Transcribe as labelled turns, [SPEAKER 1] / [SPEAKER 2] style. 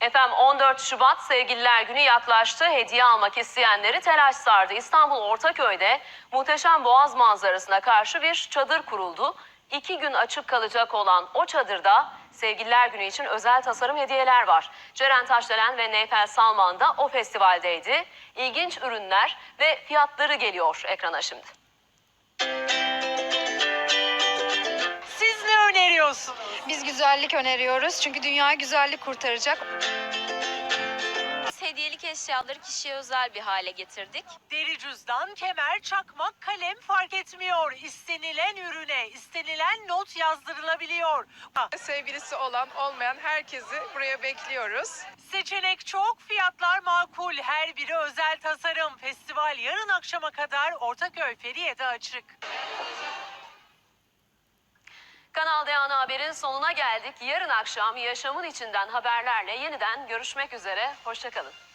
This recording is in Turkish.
[SPEAKER 1] Efendim 14 Şubat Sevgililer Günü yaklaştı. Hediye almak isteyenleri telaş sardı. İstanbul Ortaköy'de muhteşem boğaz manzarasına karşı bir çadır kuruldu. 2 gün açık kalacak olan o çadırda Sevgililer Günü için özel tasarım hediyeler var. Ceren Taşdelen ve Neyfel Salman da o festivaldeydi. İlginç ürünler ve fiyatları geliyor ekrana şimdi.
[SPEAKER 2] Siz ne öneriyorsunuz?
[SPEAKER 3] Biz güzellik öneriyoruz çünkü dünya güzellik kurtaracak.
[SPEAKER 4] Hediyelik eşyaları kişiye özel bir hale getirdik.
[SPEAKER 2] Deri cüzdan, kemer, çakmak, kalem fark etmiyor. İstenilen ürüne, istenilen not yazdırılabiliyor.
[SPEAKER 5] Sevgilisi olan olmayan herkesi buraya bekliyoruz.
[SPEAKER 2] Seçenek çok, fiyatlar makul. Her biri özel tasarım. Festival yarın akşama kadar Ortaköy Feriye'de açık.
[SPEAKER 1] Kanal D Ana Haber'in sonuna geldik. Yarın akşam yaşamın içinden haberlerle yeniden görüşmek üzere. Hoşça kalın.